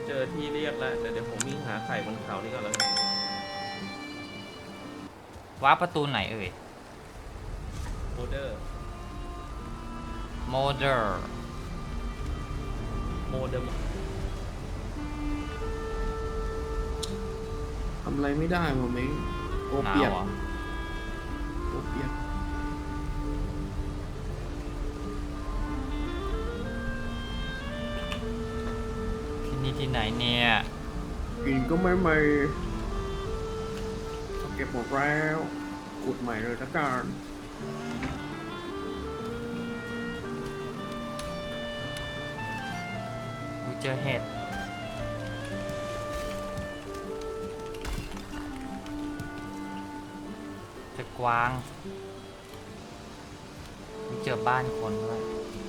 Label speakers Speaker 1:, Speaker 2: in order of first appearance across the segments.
Speaker 1: เจอที่เรียกแล้วเดี๋ยวผมวิ่งหาไข่บนเขานี่ก่อนแล้วกัน
Speaker 2: ว้าประตูไหนเอ่ย
Speaker 1: โมเดอร์
Speaker 2: โมเดอร์
Speaker 1: โมเดอร์
Speaker 3: ทำอะไรไม่ได้หมดเม้งโอ
Speaker 2: หนา
Speaker 3: เปียว ก
Speaker 2: เหรอ
Speaker 3: โอเปียก
Speaker 2: ที่นี่ที่ไหนเนี่ย
Speaker 3: กินก็ไม่เก็บหมดแล้วขุดใหม่เลยละกัน
Speaker 2: กูเจอเห็ดเจอกวางกูเจอบ้านคนด้วย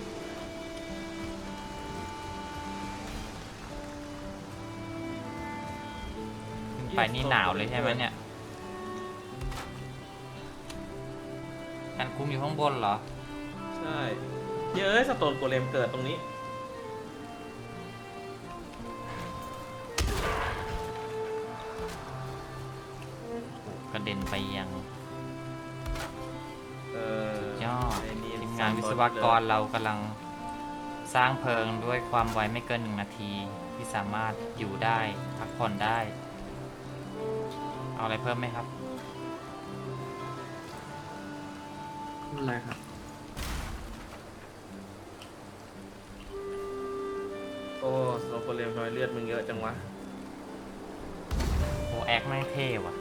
Speaker 2: ขึ้นไปนี่หนาวเลยใช่ไหมเนี่ยกันคุ้มอยู่ข้างบนเหรอ
Speaker 1: ใช่เยอะสโตนโกเลมเกิดตรงนี้
Speaker 2: กระเด็นไปยัง
Speaker 1: เออย
Speaker 2: อด
Speaker 1: ไอ้นี่
Speaker 2: ทีมงานวิศวกรเรากำลังสร้างเพลิงด้วยความไวไม่เกิน1 นาที ที่สามารถอยู่ได้พักผ่อนได้ เอาอะไรเพิ่มไหมครับ
Speaker 3: อะไรครับ
Speaker 1: โอ้สโตนโกเลมทำไมเลือดมึงเยอะจังวะ
Speaker 2: โอแอคไม่งเท่ว่ะ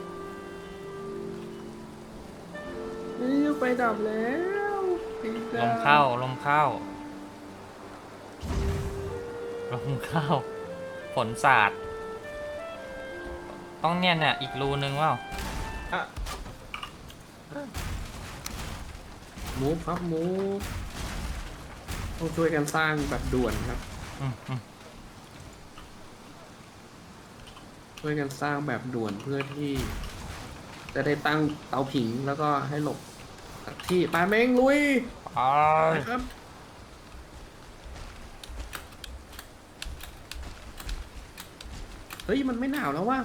Speaker 3: นี่ไฟดับแล้ว
Speaker 2: ลมเข้า ลมเข้า ลมเข้า ฝนสาด ต้องเนี่ยอีกรูนึงว่า
Speaker 1: อ่ะ
Speaker 3: มูฟครับมูฟต้องช่วยกันสร้างแบบด่วนครับ ช่วยกันสร้างแบบด่วนเพื่อที่จะได้ตั้งเตาผิงแล้วก็ให้หลบที่ปลาเม้งลุย
Speaker 2: อ๋อ
Speaker 3: ไปครับ เฮ้ย มันไม่หนาวแล้วว่ะ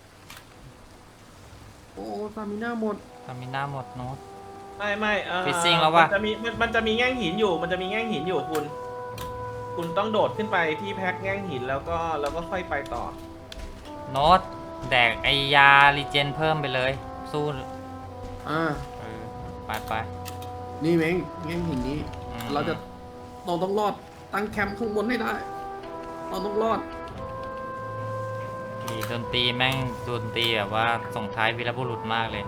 Speaker 3: โอ้ซามิน่าหมด
Speaker 2: ทามิน่าหมดโน้ต
Speaker 1: ไม่
Speaker 2: Fishing แล้ววะ
Speaker 1: มันจะมีแง่งหินอยู่มันจะมีแง่งหินอยู่คุณต้องโดดขึ้นไปที่แพ็คแง่งหินแล้วก็ค่อยไปต่อ
Speaker 2: โน้ตแดกไอยารีเจนเพิ่มไปเลย สู้
Speaker 3: อ่า
Speaker 2: ไป
Speaker 3: นี่เม้งแง่งหินนี้
Speaker 2: อืม
Speaker 3: เราต้องรอด ตั้งแคมป์ข้างบนให้ได้ เราต้องรอด
Speaker 2: อีดนตรีแม่งดนตรีแบบว่าส่งท้ายวีรบุรุษมากเลย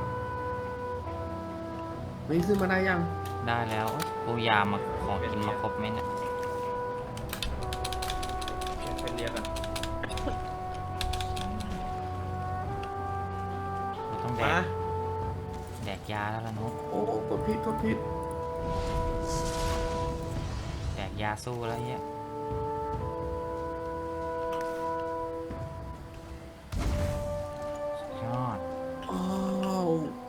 Speaker 3: ไม่ขึ้นมาได้ยัง
Speaker 2: ได้แล้วโอ๊ยปูยามาของกินมาครบไหมเนี่ย
Speaker 1: ไปเรียกกัน
Speaker 2: กูต้องแด
Speaker 1: มาก
Speaker 2: แดกยาแล้วล่ะโน้ต
Speaker 3: โอ้กดผิด
Speaker 2: แดกยาสู้แล้วเนี่ยสุดยอด
Speaker 3: อ้าว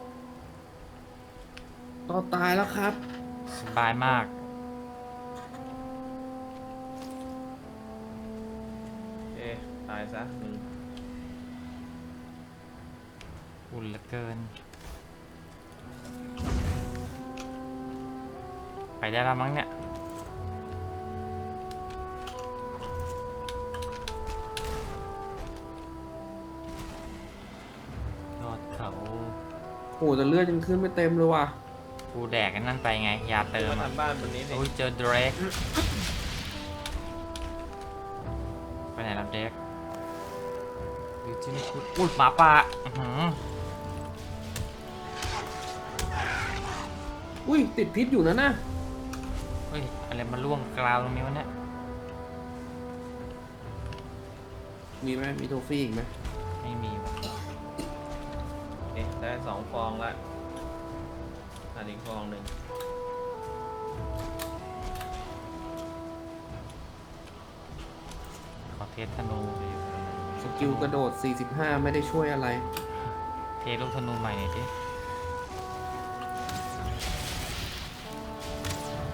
Speaker 3: ต่อตายแล้วครับ
Speaker 2: สบายมาก
Speaker 1: เอ๊ะตายซะมึง
Speaker 2: อุ่นเหลือเกิน ไปได้แล้วมั้งเนี่ย ยอดเขา
Speaker 3: โอ้แต่เลือดยังขึ้นไม่เต็มเลยว่ะ
Speaker 2: กูแดกกันนั่นไปไง ยาเติม
Speaker 1: มา
Speaker 2: อ่ะ
Speaker 1: ทำบ้านบนนี้สิ
Speaker 2: โอ้ยเจอเดรกไปไหนแล้วเดรกอยู่ที่นี่คุณอุ้ยหมาป่าอื้อหือ
Speaker 3: อุ้ยติดพิษอยู่นะ
Speaker 2: เฮ้ย อะไรมาล่วงกราวตรงนี้วะเนี่ย
Speaker 3: มีไหมมีโทฟี่อีกไหม
Speaker 2: ไม่มีว่ะ
Speaker 1: เอ๊ะได้2 ฟองละอันอีกฟองหนึ่ง
Speaker 2: ขอเทสธนู
Speaker 3: สกิลกระโดด 45 ไม่ได้ช่วยอะไร
Speaker 2: เทลูกธนูใหม่หน่อยดิ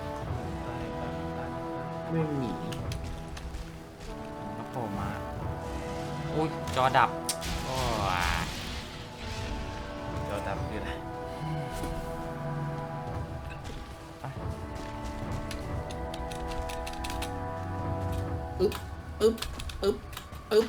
Speaker 3: ไม่มี
Speaker 2: มันก็โผล่มาจอดับ โอ้ย
Speaker 1: เดี๋ยวดับคืออะไร
Speaker 3: อึ๊บอึ๊บอึ๊บอึ๊บ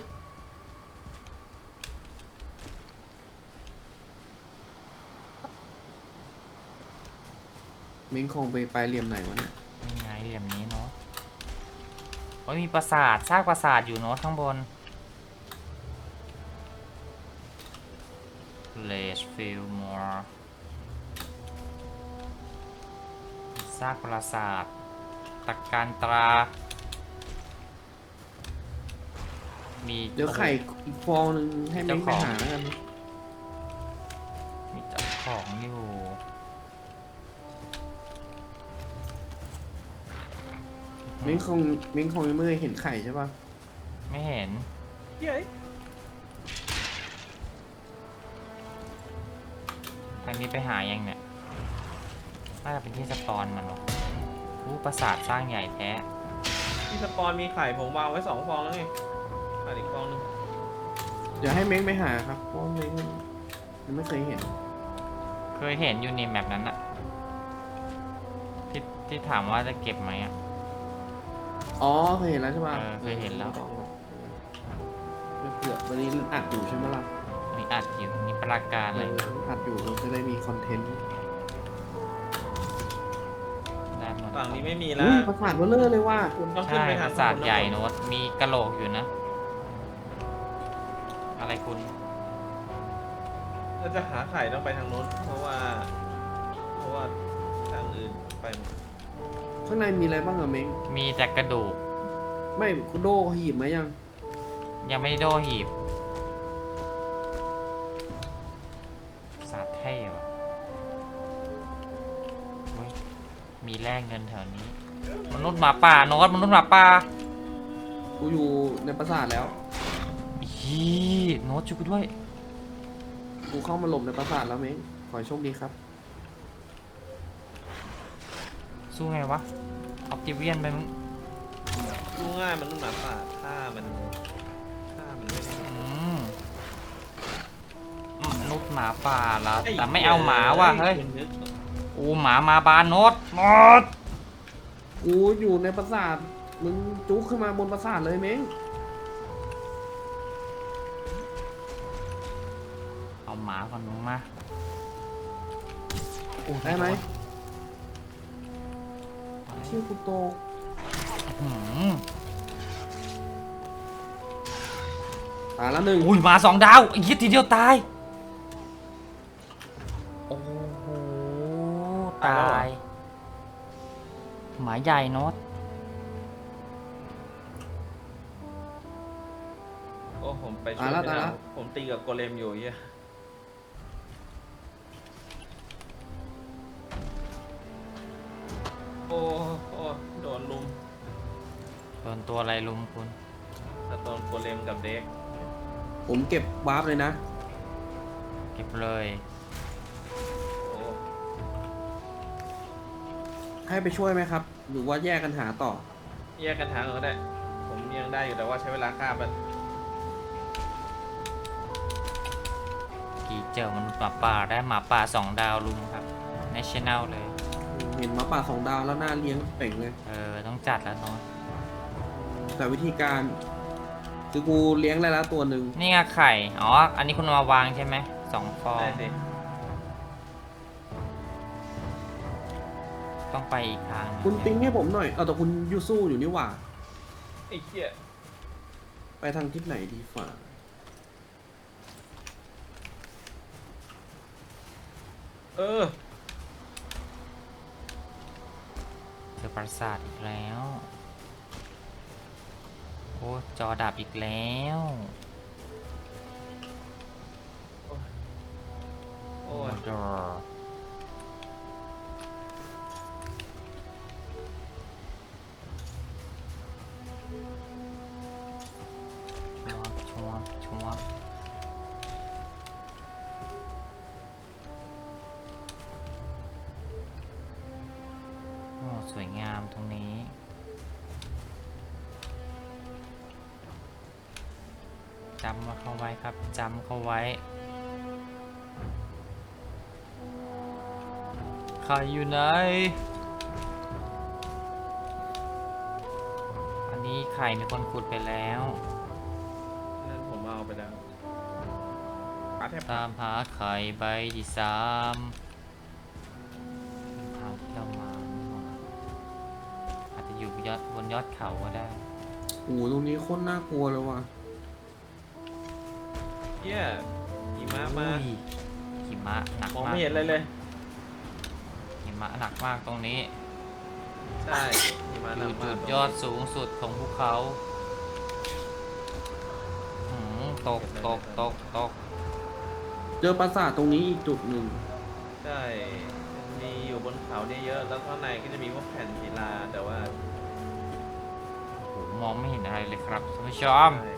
Speaker 3: มิงคงไปเหลี่ยมไหนวะเนี่ย
Speaker 2: นี่ไงเหลี่ยมนี้เนาะโอ้ยมีปราสาทซากปราสาทอยู่เนาะข้างบน Let's feel more ซากปราสาทตะการตรา มี
Speaker 3: เดี๋ยวไข่อีกฟองหนึ่งให้มิงไปหาแล้วกัน
Speaker 2: มีเจ้าของอยู่
Speaker 3: มิงคงยังไม่เคยเห็นไข่ใช่ปะ
Speaker 2: ไม่เห็น
Speaker 1: เย้ย
Speaker 2: ทางนี้ไปหายังเนี่ย น่าจะเป็นที่สปอนมันหรออู้ปราสาทสร้างใหญ่แท้
Speaker 1: ที่สปอนมีไข่ผมวางไว้2 ฟองแล้วไงขาดอีกฟองนึง
Speaker 3: เดี๋ยวให้เม้งไปหาครับเพราะว่าเม้งยังไม่เคยเห็น
Speaker 2: เคยเห็นอยู่ในแมปนั้นอะที่ถามว่าจะเก็บไหมอะ
Speaker 3: อ๋อเคยเห็นแล้วใช่ปะ
Speaker 2: เคยเห็นแล้ว
Speaker 3: ไม่เผื่อวันนี้อัดอยู่ใช่ไหมล่ะ
Speaker 2: มีอัดอยู่มีปราการเลย
Speaker 3: อัดอยู่เราจะได้มีคอนเทนต์
Speaker 2: ได้หมด
Speaker 1: ฝั่งนี้ไม่มีแล้
Speaker 3: อุ้
Speaker 1: วย
Speaker 3: ประสาทเบลเลอร์เลยว่า
Speaker 1: คุณต้องขึ้น
Speaker 2: ใช่
Speaker 1: ไป
Speaker 2: ป
Speaker 1: หา
Speaker 2: ราสาท
Speaker 1: ข้งบน
Speaker 2: ใหญ่โน้ตมีกระโหลกอยู่นะ อะไรคุณ
Speaker 1: ถ้าจะหาไข่ต้องไปทางโน้นเพราะว่าทางอื่นไปหมด
Speaker 3: ข้างในมีอะไรบ้างอะเม้ง
Speaker 2: มีแต่กระดูก
Speaker 3: ไม่คุณโดหีบไหมยัง
Speaker 2: ยังไม่ได้โดหีบปราสาทเท่ว่ะเฮ้ยมีแลกเงินแถวนี้ มนุษย์หมาป่าโน้ตมนุษย์หมาป่า
Speaker 3: กูอยู่ในปราสาทแล้ว
Speaker 2: ฮีโน้ตช่วยกูด้วย
Speaker 3: กูเข้ามาหลบในปราสาทแล้วเม้งขอให้โชคดีครับ
Speaker 2: สู้ไงวะออปติเวียนไปมึง
Speaker 1: ดูง่ายมันนุ่มหนาป่าถ้ามันไม่ได้
Speaker 2: มนุษย์หมาป่าแล้วแต่ไม่เอาหมาว่ะเฮ้ย
Speaker 1: คุณนึก
Speaker 2: โอ้หมามาบานโน้ตโน้ต
Speaker 3: กูอยู่ในปราสาทมึงจุกขึ้นมาบนปราสาทเลยเม้ง
Speaker 2: เอาหมาก่อนมึงมา
Speaker 3: ได้ไหมเชี่ยกูโต
Speaker 2: อื้อหือ
Speaker 3: ตายแล้วหนึ่ง
Speaker 2: อุ้ยหมา2 ดาวไอ้ยี่ทีเดียวตายโอ้โหตายหมาใหญ่โน้ต
Speaker 1: โอ้ผมไปช่วยไม่ได้ผมตีกับโกเลมอยู่เฮียโอ้โดนลุม
Speaker 2: โดนตัวอะไรลุมคุณ
Speaker 1: ถ้าโดนโกเลมกับเด็ก
Speaker 3: ผมเก็บวาร์ปเลยนะ
Speaker 2: เก็บเลย
Speaker 1: โอ้
Speaker 3: ให้ไปช่วยไหมครับ หรือว่าแยกกันหาต่อ
Speaker 1: แยกกันทางก็ได้ ผมยังได้อยู่แต่ว่าใช้เวลาคาบมัน
Speaker 2: กี่เจอมนุษย์หมาป่าได้หมาป่า2 ดาวลุมครับ National เลย
Speaker 3: เห็นหมาป่า2 ดาวแล้วน่าเลี้ยงเป่งเลย
Speaker 2: ต้องจัดแล้วเนาะ
Speaker 3: แต่วิธีการคือกูเลี้ยงได้แล้วตัวหนึ่ง
Speaker 2: นี่ไงไข่ อ๋อ อันนี้คุณเอามาวางใช่ไหม2 ฟอง
Speaker 1: ได้สิ
Speaker 2: ต้องไปอีกทางหนึ่ง
Speaker 3: คุณติ้งให้ผมหน่อยเอาแต่คุณยูสู้อยู่นี่หว่า
Speaker 1: ไอ้เหี้ย
Speaker 3: ไปทางทิศไหนดีฝ่า
Speaker 1: เออ
Speaker 2: เจอปราสาทอีกแล้ว โอ้จอดับอีกแล้ว
Speaker 1: โอ้ย
Speaker 2: โดชัวร์โอ้สวยงามตรงนี้จำมาเข้าไว้ครับจำเข้าไว้ใครอยู่ไหนอันนี้ไข่มีคนขุดไปแล้ว
Speaker 1: นั่นผมเอาไปแล้วปลาแทบ
Speaker 2: ตามหาไข่ใบที่สามเป็นทางที่เรามานี่หว่าอาจจะอยู่บนยอดเขาก็ได้
Speaker 3: โอ้โหตรงนี้โคตรน่ากลัวเลยว่ะ
Speaker 1: เยี่ยหิมะมา
Speaker 2: อุ้ยหิมะหนัก
Speaker 1: มอง
Speaker 2: มาก
Speaker 1: ไม่เห็นอะไรเลย
Speaker 2: หิมะหนักมากตรงนี้
Speaker 1: ใช่หิมะ
Speaker 2: อ
Speaker 1: หนั
Speaker 2: ยู่
Speaker 1: กมา
Speaker 2: จุ
Speaker 1: ก
Speaker 2: ดยอดสูงสุดของภูเขาตก
Speaker 3: เจอปราสาทตรงนี้อีกจุดหนึ่ง
Speaker 1: ใช่มีอยู่บนเขาเนี่ยเยอะแล้วข้างในก็จะมีพวกแผ่นศิลาแต่ว่า
Speaker 2: โอ้โหมองไม่เห็นอะไรเลยครับท่านผู้ชม
Speaker 1: ใช่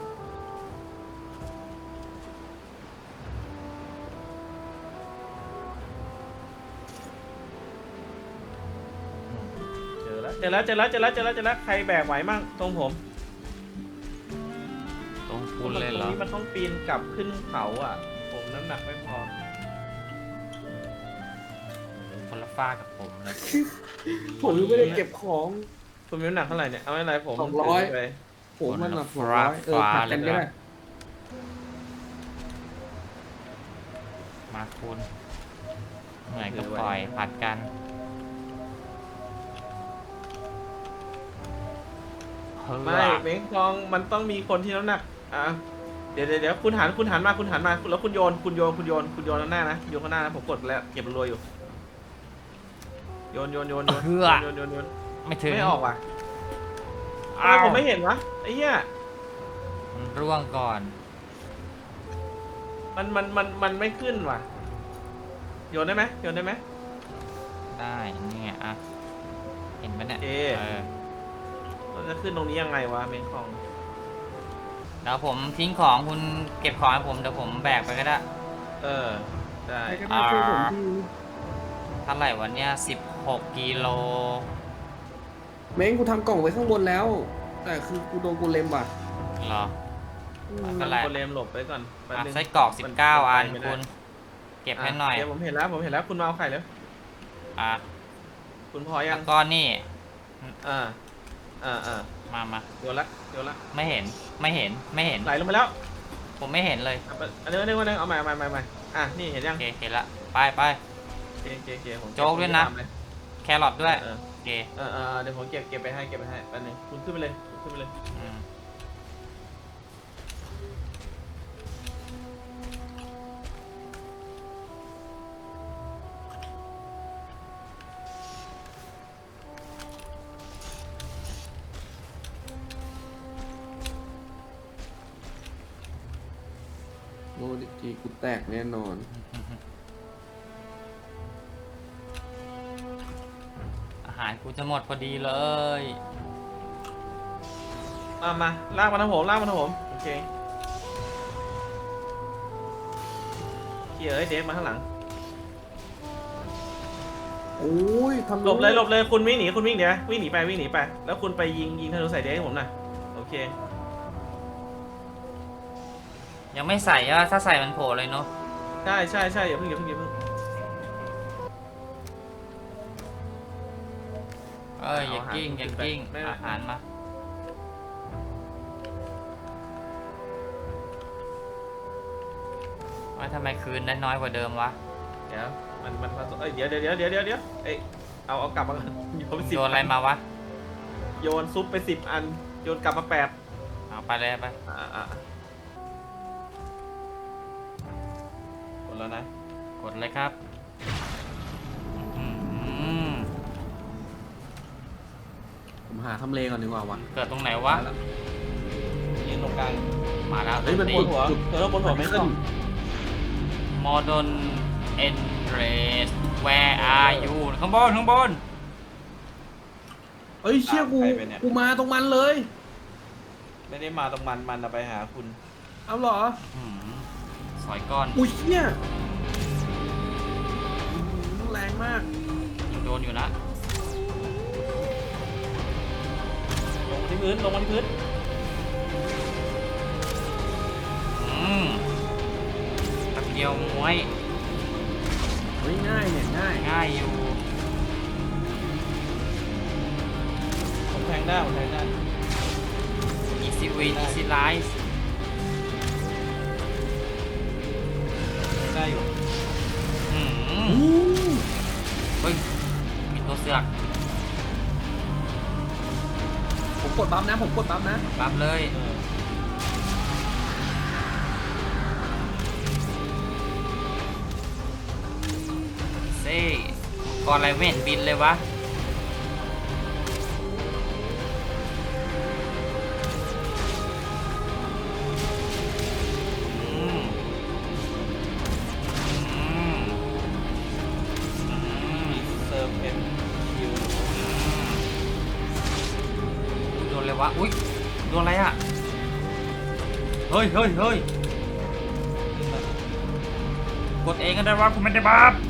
Speaker 1: เจอแล้วใครแบกไหวมั่งตรงผม
Speaker 2: ตรงคุณเลยเหร
Speaker 1: ตร
Speaker 2: อง
Speaker 1: นี้มันต้องปีนกลับขึ้นเขาอ่ะ ผมน้ำหนักไม่พอ
Speaker 2: คนละฝ้ากกับผมเลย
Speaker 3: ผมยังไม่ได้เก็บของ
Speaker 1: คุณมีน้ำหนักเท่าไหร่เนี่ยเอาไม่เป็นไรผม
Speaker 3: 200
Speaker 1: ถืไป
Speaker 3: ผมมันแบบ200ผัดกันก็ได้
Speaker 2: มาคุณเหนื่อยก็ปล่อยผัดกันเฮ้ย
Speaker 1: ไม่เม้งทองมันต้องมีคนที่น้ำหนักอ่ะเดี๋ยวคุณหันมาแล้วคุณโยนข้างหน้านะโยนข้างหน้านะผมกดแล้วเก็บรัวๆอยู่โยน
Speaker 2: ไม่ถึง
Speaker 1: ไม่ออกว่ะทำ
Speaker 2: อ้า
Speaker 1: ไม
Speaker 2: ว
Speaker 1: ผมไม่เห็นวะไอ้เหี้ย
Speaker 2: มันร่วงก่อน
Speaker 1: มันไม่ขึ้นว่ะโยนได้ไหม
Speaker 2: ได้นี่ไงอ่ะเห็นไหมเนี่ย
Speaker 1: โอเค เราจะขึ้นตรงนี้ยังไงวะเม้งทอง
Speaker 2: เดี๋ยวผมทิ้งของคุณเก็บของให้ผมเดี๋ยวผมแบกไปก็ได้
Speaker 1: ได้
Speaker 3: ใครก็ได้ช่วยผมที
Speaker 2: เท่าไหร่วันเนี้ย16 กิโล
Speaker 3: เม้งกูทำกล่องไว้ข้างบนแล้ว แต่คือกูโดนกูเลมว่ะ
Speaker 2: เหรอ
Speaker 3: อืม
Speaker 2: ก็แหละ
Speaker 1: โคเลมหลบไปก่อนแป๊บนึง
Speaker 2: ไส้กรอก
Speaker 1: มัน
Speaker 2: 19 อัน
Speaker 1: ไปไม่ได้
Speaker 2: คุณ เก็บให้หน่อย
Speaker 1: เดี๋ยวผมเห็นแล้วคุณมาเอาไข่แล้ว
Speaker 2: อ่ะ
Speaker 1: คุณพอยั
Speaker 2: แล้
Speaker 1: ง
Speaker 2: วก็นี่
Speaker 1: อ่า
Speaker 2: มา
Speaker 1: โยนละ
Speaker 2: ไม่เห็น
Speaker 1: ไหลลงไปแล้ว
Speaker 2: ผมไม่เห็นเลย
Speaker 1: อันนึงเอาใหม่อ่ะนี่เห็นยั
Speaker 2: โอง เคเห็นละไป
Speaker 1: เกผม
Speaker 2: โจ๊กด้วยนะ แครอทด้วย
Speaker 1: เออ
Speaker 2: โอเค
Speaker 1: เดี๋ยวผมเก็บไปให้แป๊บนึงคุณขึ้นไปเลย
Speaker 2: อืม
Speaker 3: โอ้ดิจีกูแตกแน่นอน
Speaker 2: อาหารกูจะหมดพอดีเลย
Speaker 1: มาลากมาทางผมโอเคเดฟมาข้างหลัง
Speaker 3: โอ้ยทำ
Speaker 1: หลบเลยคุณวิ่งหนีเดี๋ยววิ่งหนีไปแล้วคุณไปยิงธนูใส่เดฟให้ผมหน่อยโอเค
Speaker 2: ยังไม่ใส่อะถ้าใส่มันโผล่เลยเนาะ
Speaker 1: ใช่อย่าเพิ่ง
Speaker 2: เอ้ยอย่ากิ้ง
Speaker 1: ไม่
Speaker 2: อาหารมาว่าทำไมคืนได้น้อยกว่าเดิมวะ
Speaker 1: เดี๋ยวมันผสมเดี๋ยวเอ้ยเอากลับมาก่อนโยนไป10
Speaker 2: โดนอะไรมาวะ
Speaker 1: โยนซุปไป10 อันโยนกลับมา8
Speaker 2: เอาไปเลยไป
Speaker 1: หมดแล้วนะ
Speaker 2: กดเลยครับอื้อหือ
Speaker 3: ผมหาทำเลก่อนดีกว่าวะ
Speaker 2: เกิดตรงไหนวะ
Speaker 3: มาแล้ว
Speaker 1: ยืนตรงกลาง
Speaker 2: มาแล้ว
Speaker 3: เฮ้ยมัน
Speaker 2: ตี
Speaker 3: บน
Speaker 1: หัวบนหัวไม่ต้อง
Speaker 2: โมดอนเอนเรส where are you ข้างบน
Speaker 3: เอ้ยเชี่ยกูมาตรงมันเลย
Speaker 1: ไม่ได้มาตรงมันไปหาคุณ
Speaker 3: เอาเหรอ
Speaker 2: อื้อหือสอยก้อน
Speaker 3: อุ้ยเชี่ยแรงมาก
Speaker 2: ยังโดนอยู่นะ
Speaker 1: ลงมาที่พื้น
Speaker 2: เดียวมวย
Speaker 3: เฮ้ยง่ายเนี่ยง่าย
Speaker 2: ง่ายอยู่
Speaker 1: ผมแทงได้ผมแทงได้
Speaker 2: easy win easy life
Speaker 1: ได้อยู่
Speaker 2: อืม
Speaker 3: อู้
Speaker 2: เฮ้ยมีตัวเสือก
Speaker 3: ผมกดบัฟนะผมกดบัฟนะ
Speaker 2: ปั๊บเลย
Speaker 1: เออ
Speaker 2: เซ่ก่อนอะไรไม่เห็นบินเลยวะอืมอืมอืม
Speaker 1: เซิร์ฟเพนคิว
Speaker 2: โดนเลยวะ อุ้ยโดนอะไรอ่ะ เฮ้ยเฮ้ยเฮ้ยกดเองก็ได้วะกูไม่ได้บัฟ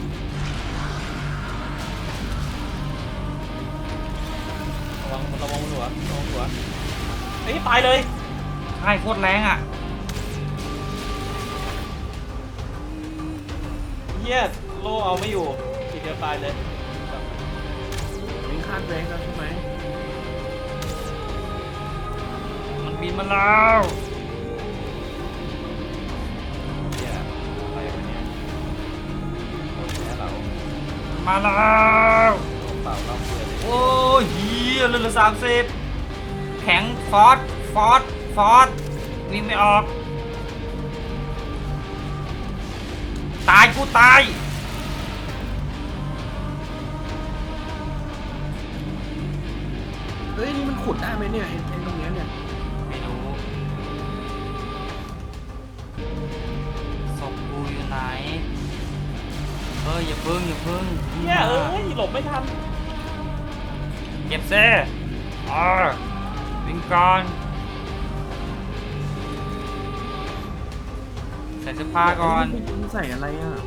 Speaker 1: ระวังหัวระวังหัวไอ้ยตายเลย
Speaker 2: ใช่โคตรแรงอ่ะ
Speaker 1: เฮียโลเอาไม่อยู่ทีเดียวตายเลย
Speaker 3: วิ่งคาดแรงแล้วใช่ไหม
Speaker 2: มันบินมาแล้ว
Speaker 1: เฮียอะไรวะเนี่ยโอ้ยแพ้เรา
Speaker 2: มาแล้ว
Speaker 1: เปล่าเราเพื่อนเลย
Speaker 2: โอ้ยเฮียเหลือ30 แข็งฟอสวิ่งไม่ออก ตายกูตาย
Speaker 3: เฮ้ยนี่มันขุดได้ไหมเนี่ยไอ้ตรงเนี้ยเนี่ย
Speaker 2: ไม่รู้ศพกูอยู่ไหน เฮ้ยอย่าพึ่ง
Speaker 1: เฮียเอ้ยหลบไม่ทัน
Speaker 2: เก็บเซ่วิ่งก่อนใส่เสื้อผ้าก่อน
Speaker 3: ไอ้นี่ใส่อะไรอ่ะ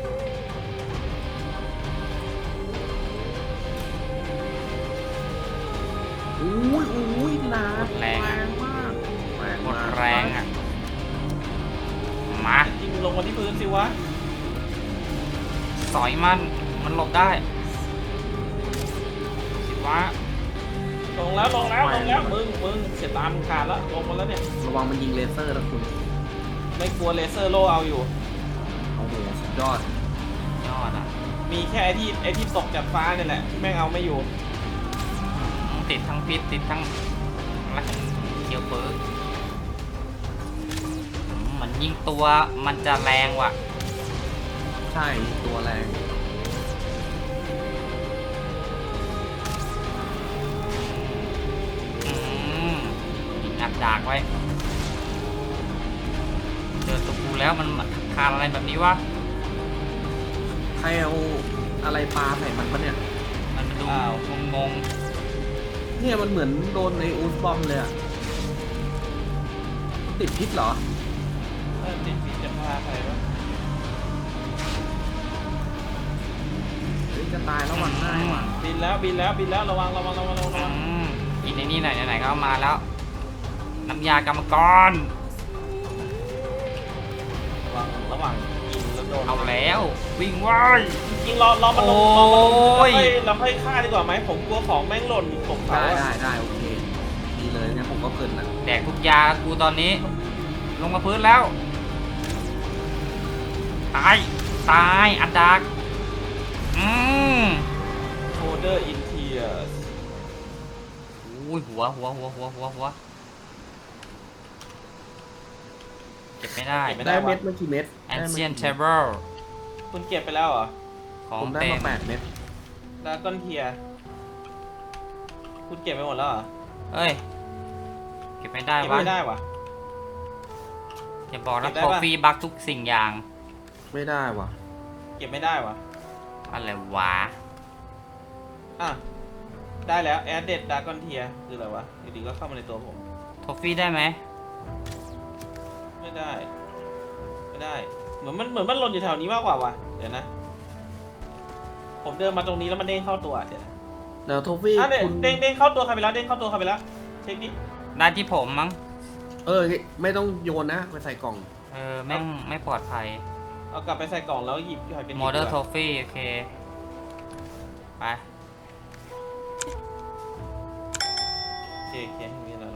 Speaker 3: อุ้ยหนา
Speaker 2: หมดแรง
Speaker 3: มากแรง
Speaker 2: หมด
Speaker 3: มาก
Speaker 2: แรงอ่ะ มา
Speaker 1: ยิงลงมาที่พื้นสิวะ
Speaker 2: สอยมันหลบได้คิดว่า
Speaker 1: ลงแล้วมึงเสียตามขาดแล้วลงมาแล้วเนี่ย
Speaker 3: ระวังมันยิงเลเซอร์นะคุณ
Speaker 1: ไม่กลัวเลเซอร์โลเอาอยู่
Speaker 3: โอ้โหสุดยอด
Speaker 2: ยอดอ่ะ
Speaker 1: มีแค่ไอ้ที่ตกจากฟ้าเนี่ยแหละที่แม่งเอาไม่อยู่
Speaker 2: ติดทั้งพิษติดทั้งรักเคียวเปิร์กมันยิงตัวมันจะแรงว่ะ
Speaker 3: ใช่ตัวแรง
Speaker 2: ยิงอัดดากไว้ เจอตัวกูแล้วมันคานอะไรแบบนี้วะ
Speaker 3: ใครเอาอะไรปลาใส่มันปะเนี่ย
Speaker 2: มันดู
Speaker 1: อ้าว
Speaker 2: งง
Speaker 3: เนี่ยมันเหมือนโดนในอูสบอมเลยอะติดพิษเหรอ
Speaker 1: ติดผิดจะพาใครวะ
Speaker 3: เฮ้ยจะตายแล้ววันง่ายว่ะ
Speaker 1: บินแล้วระวัง
Speaker 2: กินในนี่หน่อยไหนๆก็เอามาแล้ว น้ำยากรรมกร
Speaker 1: ระหว่างยิงแล้วโดน
Speaker 2: เอาแล้ว วิ่งไว้
Speaker 1: จริงรอมันลง
Speaker 2: โอ้ย
Speaker 1: เราค่อยฆ่าดีกว่าไหมผมกลัวของแม่งหล่นตกเสา
Speaker 3: ได้โอเคดีเลยเนี่ยผมก็เพลินอ่ะ
Speaker 2: แดกทุกยากูตอนนี้ ลงมาพื้นแล้ว ตายอัดดัก
Speaker 1: โชเดอร์อินเทียส
Speaker 2: อุ้ยหัวเก็บไม่ได้
Speaker 3: ได้เม็ดเมื่อกี่เม็ด
Speaker 2: Ancient Table
Speaker 1: คุณเก็บไปแล้วเหรอ
Speaker 2: ของ
Speaker 3: ผมได้
Speaker 2: เต็
Speaker 3: มาม 8 เม็ด
Speaker 1: ดราก้อนเทียคุณเก็บไปหมดแล้วเหรอ
Speaker 2: เอ้ย เก็บไม่ได้
Speaker 1: เก็บ
Speaker 2: วะ
Speaker 1: ไม่ได้วะ
Speaker 2: อย่าบอกนะ
Speaker 1: เก็บได้
Speaker 2: คอ
Speaker 1: ปะ
Speaker 2: ฟฟี่บักทุกสิ่งอย่าง
Speaker 3: ไม่ได้ว่ะ
Speaker 1: เก็บไม่ได้วะ
Speaker 2: อะไรวะ
Speaker 1: อ่ะได้แล้วแอดเด็ดดราก้อนเทียคืออะไรวะอยู่ดีก็เข้ามาในตัวผม
Speaker 2: ทอฟฟี่ได้ไหม
Speaker 1: ไม่ได้ เหมือนมันหล่นอยู่แถวนี้มากกว่าวะเดี๋ยวนะ ผมเดินมาตรงนี้แล้วมันเด้งเข้าตัวเดี๋ยวนะ
Speaker 3: แล้วโทฟี่
Speaker 1: เนี่ย
Speaker 3: คุณ
Speaker 1: เด้งเข้าตัวใครไปแล้วเด้งเข้าตัวใครไปแล้วเช็คดิ
Speaker 2: ได้ที่ผมมั้ง
Speaker 3: ไม่ต้องโยนนะไปใส่กล่อง
Speaker 2: แม่งไม่ปลอดภัย
Speaker 1: เอากลับไปใส่กล่องแล้วหยิบหอยเป็น
Speaker 2: มอเตอร์โทฟี่โอเค ไป
Speaker 1: โอเคโอเคไม่มีอะไร